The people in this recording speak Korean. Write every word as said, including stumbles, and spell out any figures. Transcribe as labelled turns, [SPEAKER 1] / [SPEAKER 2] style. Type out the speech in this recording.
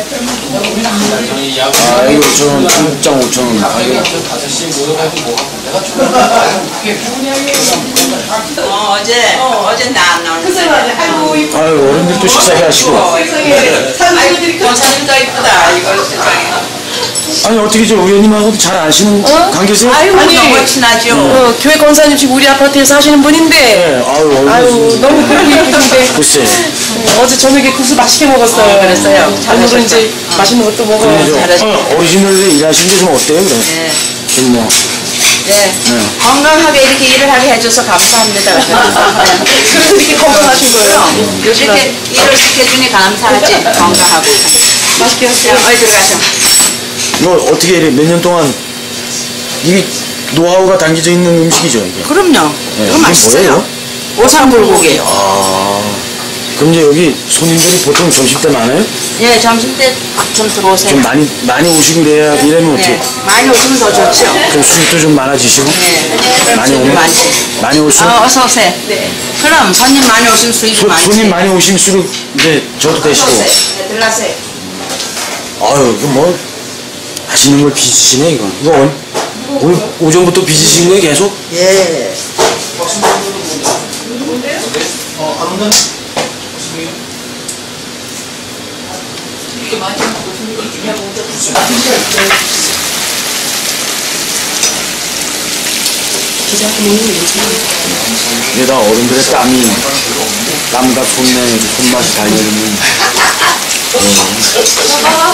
[SPEAKER 1] 아, 이거 오천 원, 중국장 오천 원. 아, 이거.
[SPEAKER 2] 어, 어제, 어, 어제 나 안 나오는데.
[SPEAKER 1] 아유, 어른들도 식사해 하시고.
[SPEAKER 2] 아이고, 권사님도 이쁘다, 이거 세상에.
[SPEAKER 1] 아니, 어떻게 저 의원님하고도 잘 아시는
[SPEAKER 3] 어?
[SPEAKER 1] 관계세요?
[SPEAKER 3] 아유,
[SPEAKER 2] 아니,
[SPEAKER 3] 우리
[SPEAKER 2] 너무 친하죠.
[SPEAKER 3] 어, 교회 권사님 지금 우리 아파트에 사시는 분인데.
[SPEAKER 1] 네, 아유,
[SPEAKER 3] 아유, 너무 보고 예쁘신데.
[SPEAKER 1] 글쎄.
[SPEAKER 3] 어, 어제 저녁에 국수 맛있게 먹었어요.
[SPEAKER 2] 어, 그랬어요.
[SPEAKER 3] 오늘은 이제 맛있는 것도 먹어요.
[SPEAKER 1] 근데 저, 어, 어르신들 일하신 게 좀 어때요, 그래?
[SPEAKER 2] 네.
[SPEAKER 1] 좀 뭐.
[SPEAKER 2] 네. 건강하게 이렇게 일을 하게 해줘서 감사합니다.
[SPEAKER 3] 그래서 이렇게 건강하신 거예요.
[SPEAKER 2] 이렇게 일을 시켜주니 감사하지. 건강하고.
[SPEAKER 3] 맛있게 하세요.
[SPEAKER 2] 어디 들어가셔.
[SPEAKER 1] 이거 어떻게 이래, 몇 년 동안, 이게 노하우가 담겨져 있는 음식이죠, 이게?
[SPEAKER 2] 그럼요.
[SPEAKER 1] 네,
[SPEAKER 2] 이거
[SPEAKER 1] 이게
[SPEAKER 2] 맛있어요.
[SPEAKER 1] 뭐예요?
[SPEAKER 2] 오삼불고기예요.
[SPEAKER 1] 아. 그럼 이제 여기 손님들이 보통 점심 때 많아요?
[SPEAKER 2] 예, 점심 때 좀 들어오세요.
[SPEAKER 1] 좀 많이, 많이 오시고 이래야, 이러면 어떻게?
[SPEAKER 2] 네. 많이 오시면 더 좋죠.
[SPEAKER 1] 그럼 수입도 좀 많아지시고?
[SPEAKER 2] 네.
[SPEAKER 1] 많이
[SPEAKER 2] 수입이
[SPEAKER 1] 오면?
[SPEAKER 2] 많지.
[SPEAKER 1] 많이 오시면?
[SPEAKER 2] 어, 어서 오세요. 네. 그럼 손님 많이 오시면 수입이
[SPEAKER 1] 소,
[SPEAKER 2] 많지.
[SPEAKER 1] 손님 많이 오실수록 이제 저도
[SPEAKER 2] 어서
[SPEAKER 1] 되시고.
[SPEAKER 2] 오세요. 네, 들어가세요.
[SPEAKER 1] 아유, 이거 뭐, 하시는 걸 빚으시네, 이거. 이거 오늘, 오늘 오전부터 빚으신 거예요, 계속?
[SPEAKER 2] 예.
[SPEAKER 1] 이게다 어른들의 땀이, 땀과 손내, 손맛이 달려있는.